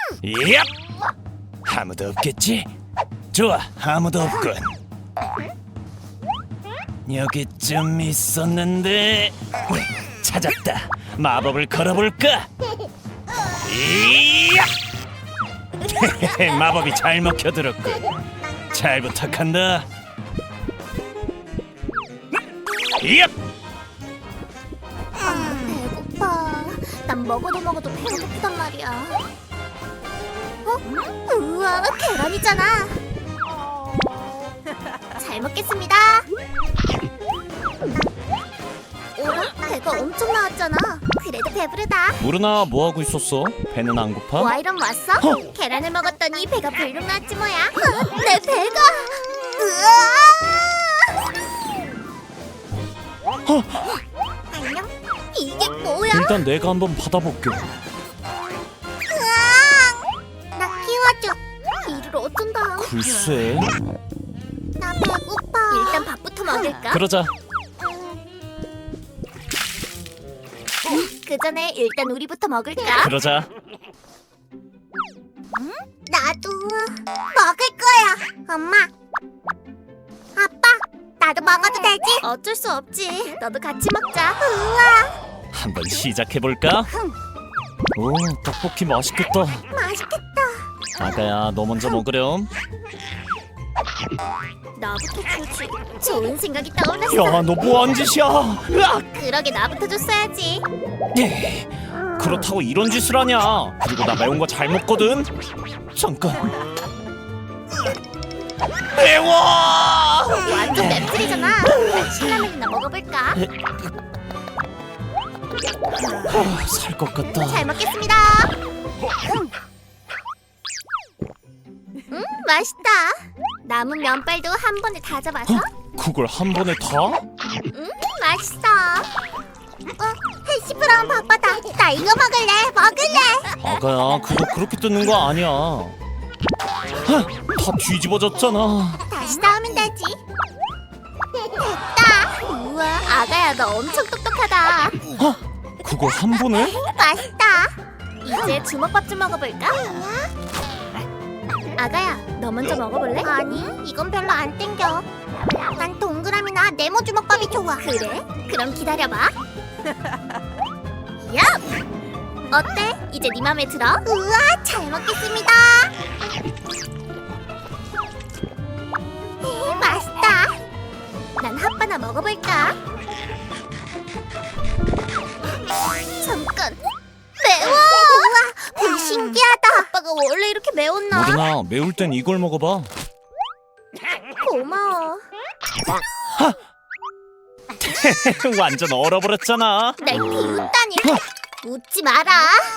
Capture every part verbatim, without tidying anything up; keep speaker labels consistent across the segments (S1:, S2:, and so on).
S1: 얍! 아무도 없겠지? 좋아, 아무도 없군. 여기쯤 있었는데 찾았다. 마법을 걸어볼까? 이야! 마법이 잘 먹혀들었군. 잘 부탁한다. 얍!
S2: 아, 배고파. 난 먹어도 먹어도 배가 고프단 말이야. 어? 우와, 계란이잖아. 잘 먹겠습니다. 오라, 배가 엄청 나왔잖아. 그래도 배부르다.
S1: 무르나 뭐 하고 있었어? 배는 안 고파?
S2: 와이런 왔어?
S1: 어?
S2: 계란을 먹었더니 배가 불룩 났지 뭐야. 어, 내 배가. 으아! 안녕? 이게 뭐야?
S1: 일단 내가 한번 받아볼게.
S2: 으앙! 나 키워줘. 이를 어쩐다.
S1: 글쎄.
S2: 나 배고파. 일단 밥부터 먹을까?
S1: 그러자.
S2: 그 전에 일단 우리부터 먹을까?
S1: 그러자.
S2: 나도 먹을 거야. 엄마, 아빠, 나도 먹어도 되지? 어쩔 수 없지. 너도 같이 먹자. 우와,
S1: 한번 시작해볼까? 오, 떡볶이 맛있겠다.
S2: 맛있겠다.
S1: 아가야, 너 먼저 먹으렴.
S2: 나부터 주지. 좋은 생각이 떠올랐어.
S1: 야, 너 뭐한 짓이야? 으악!
S2: 그러게 나부터 줬어야지.
S1: 예, 그렇다고 이런 짓을 하냐? 그리고 나 매운 거 잘 먹거든. 잠깐. 매워!
S2: 완전 맵찔이잖아. 난 신라면이나 먹어볼까?
S1: 아, 살 것 같다.
S2: 잘 먹겠습니다. 음, 맛있다. 남은 면발도 한 번에 다 잡아서.
S1: 그걸 한 번에 다?
S2: 음, 맛있어. 어, 해시 브라운 바빠다. 나 이거 먹을래. 먹을래.
S1: 아가야, 그거 그렇게 뜯는 거 아니야. 하, 다 뒤집어졌잖아.
S2: 다시 나오면 되지. 됐다. 우와, 아가야, 너 엄청 똑똑하다.
S1: 어? 그걸 한 번에?
S2: 맛있다. 이제 주먹밥 좀 먹어볼까? 아가야, 너 먼저 먹어볼래? 아니, 이건 별로 안 땡겨. 난 동그라미나 네모 주먹밥이 좋아. 그래? 그럼 기다려봐. 야! 어때? 이제 네 맘에 들어? 우와, 잘 먹겠습니다. 에, 맛있다. 난 핫바나 먹어볼까? 잠깐. 매워. 우와, 별 신기하다. 아빠가 원래 이렇게 매웠나?
S1: 모르나, 매울 땐 이걸 먹어봐.
S2: 고마워.
S1: 완전 얼어버렸잖아.
S2: 날 비웃다니. 웃지 마라.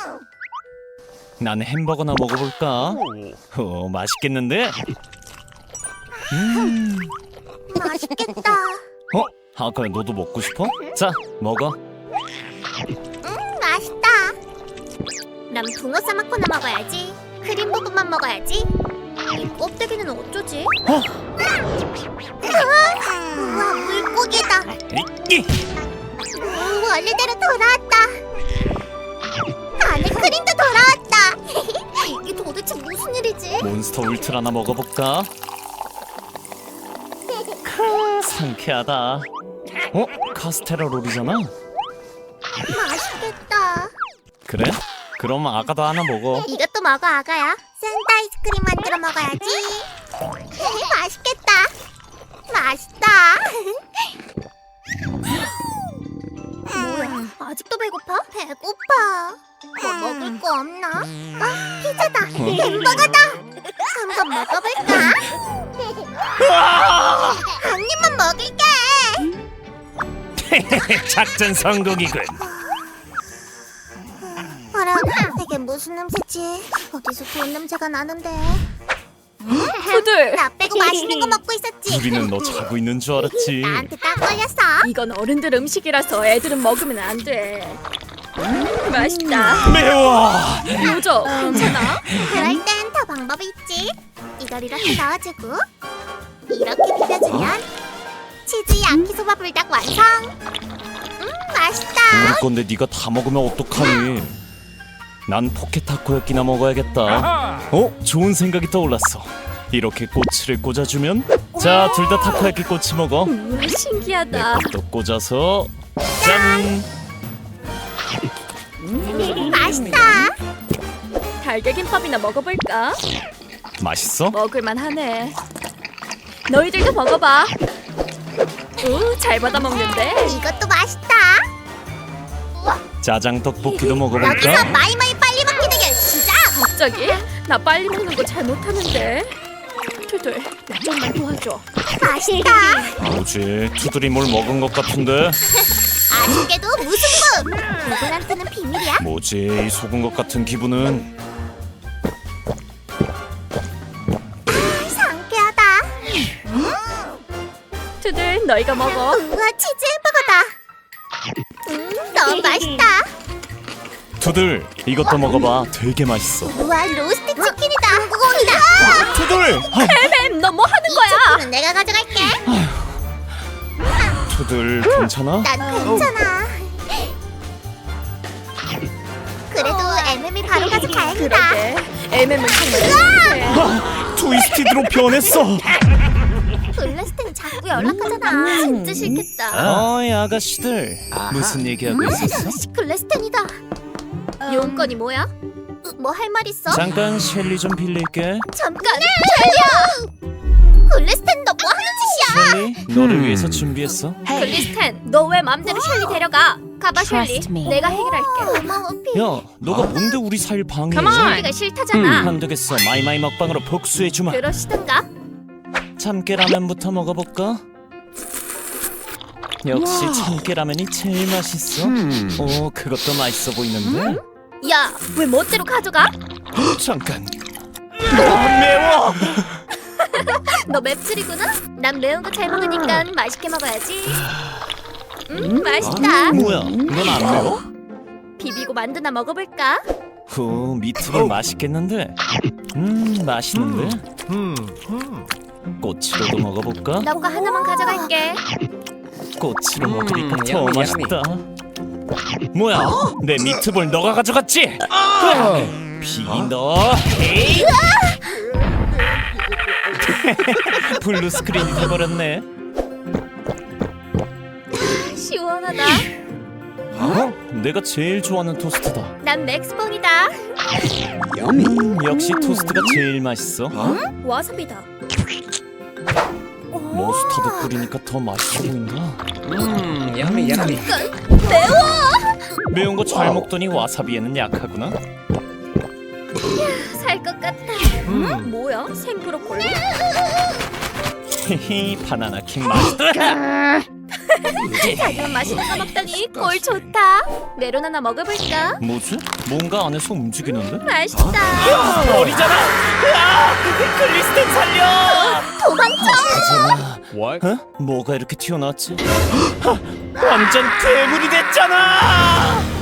S1: 난 햄버거나 먹어볼까? 오, 맛있겠는데? 음.
S2: 맛있겠다.
S1: 어? 아가야, 너도 먹고 싶어? 자, 먹어.
S2: 음, 맛있다. 난 붕어 싸먹거나 먹어야지. 크림 부분만 먹어야지. 이 껍데기는 어쩌지?
S1: 어?
S2: 우와, 물고기다.
S1: 이,
S2: 오, 원래대로 돌아왔다. 안에 크림도 돌아왔다. 이게 도대체 무슨 일이지?
S1: 몬스터 울트라나 먹어볼까? 크, 상쾌하다. 어? 카스테라 롤이잖아?
S2: 맛있겠다.
S1: 그래? 그럼 아가도 하나 먹어.
S2: 이것도 먹어, 아가야. 샌드 아이스크림 만들어 먹어야지. 맛있겠다. 맛있다. 뭐야? 아직도 배고파? 배고파. 뭐 먹을 거 없나? 아, 피자다. 햄버거다. 한번 먹어볼까? 한 입만 먹을게.
S1: 작전 성공이군.
S2: 어라, 이게 무슨 냄새지? 어디서 좋은 냄새가 나는데?
S3: 푸들!
S2: 나 빼고 맛있는 거 먹고 있었지.
S1: 우리는 너 자고 있는 줄 알았지.
S2: 나한테 딱 걸렸어.
S3: 이건 어른들 음식이라서 애들은 먹으면 안 돼. 음, 맛있다.
S1: 매워.
S3: 요저, 괜찮아?
S2: 그럴 땐 더 방법이 있지. 이걸 이렇게 넣어주고 이렇게 비벼주면 치즈 야키소바 불닭 완성. 음, 맛있다.
S1: 우리 건데 네가 다 먹으면 어떡하니? 난 포켓 타코야끼나 먹어야겠다. 어? 좋은 생각이 떠올랐어. 이렇게 꼬치를 꽂아주면 자, 둘 다 타코야끼 꼬치 먹어.
S3: 우와, 신기하다.
S1: 또 꽂아서 짠!
S2: 맛있다.
S3: 달걀김밥이나 먹어볼까?
S1: 맛있어?
S3: 먹을만 하네. 너희들도 먹어봐. 오, 잘 받아 먹는데.
S2: 이것도 맛있다.
S1: 짜장 떡볶이도
S2: 여기서
S1: 먹어볼까?
S2: 마이마이 빨리 먹기 대결 시작.
S3: 갑자기? 나 빨리 먹는 거 잘 못하는데. 투들, 나 좀만 도와줘.
S2: 맛있다.
S1: 뭐지? 투들이 뭘 먹은 것 같은데?
S2: 아쉽게도 무승부. 누구한테는 비밀이야.
S1: 뭐지? 이 속은 것 같은 기분은.
S2: 상쾌하다.
S3: 투들, 너희가 먹어.
S2: 우와, 치즈 햄버거다. 음, 너무 맛있다.
S1: 투들, 이것도 먹어봐. 되게 맛있어.
S2: 우와, 로스트 치킨이다. 무공이다.
S1: 투들! 아,
S3: 햄, 너 뭐 하는 거야?
S2: 치킨은 내가 가져갈게.
S1: 투들 괜찮아?
S2: 난 괜찮아. 그래도 엠엠이 바로 가서 다행이다.
S3: 그러게. 엠엠은 정말
S1: 아, 트위스티드로 변했어.
S2: 블래스텐이 자꾸 연락하잖아.
S3: 진짜 싫겠다.
S1: 어이 아가씨들, 무슨 얘기하고 있었어?
S2: 글래스텐이다.
S3: 용건이 뭐야?
S2: 뭐 할 말 있어?
S1: 잠깐 셸리 좀 빌릴게.
S3: 잠깐.
S2: 글래스텐 너 뭐 하는 짓이야?
S1: 셸리, 너를 위해서 준비했어.
S3: 글리스텐, 너 왜 맘대로 셸리 데려가? 가봐, 셸리. 내가 해결할게.
S2: 고마워 피.
S1: 야, 너가 뭔데 우리 사이를 방해해?
S3: 가만. 셸리가 싫다잖아.
S1: 안 되겠어. 마이마이 먹방으로 복수해주마.
S3: 그러시던가.
S1: 참깨라면부터 먹어볼까? 역시 참깨라면이 제일 맛있어. 오, 그것도 맛있어 보이는데?
S3: 야, 왜 멋대로 가져가?
S1: 잠깐. 너무 매워.
S3: 너 맵찔이구나? 난 매운 거 잘 먹으니까 맛있게 먹어야지. 음, 맛있다.
S1: 뭐야? 넌 안 매워?
S3: 비비고 만두나 먹어볼까?
S1: 후, 미트볼 맛있겠는데? 음, 맛있는데? 꼬치로도 먹어볼까?
S3: 너 거 하나만 가져갈게.
S1: 꼬치로 먹으니까 더 맛있다. 뭐야? 내 미트볼 너가 가져갔지? 비너. 에이! 블루 스크린이 돼버렸네.
S3: 시원하다.
S1: 어? 내가 제일 좋아하는 토스트다.
S3: 난 맥스본이다.
S1: 음, 역시 토스트가 제일 맛있어.
S3: 와사비다.
S1: 머스타드 뿌리니까 더 맛있어 보인다.
S4: 음, yummy, yummy.
S1: 매운 거 잘 먹더니 와사비에는 약하구나.
S3: 살 것 같다. 음? 뭐야? 생브로콜리?
S1: 히히, 바나나 킹 맛있다.
S3: 자기만 맛있는 거 먹다니 꼴 좋다. 메론 하나 먹어볼까?
S1: 뭐지? 뭔가 안에서 움직이는데?
S3: 맛있다.
S1: 버리잖아. 야, 글리스텐 살려.
S2: 도망쳐.
S4: What?
S1: 어? 뭐가 이렇게 튀어나왔지? 하, 완전 괴물이 됐잖아.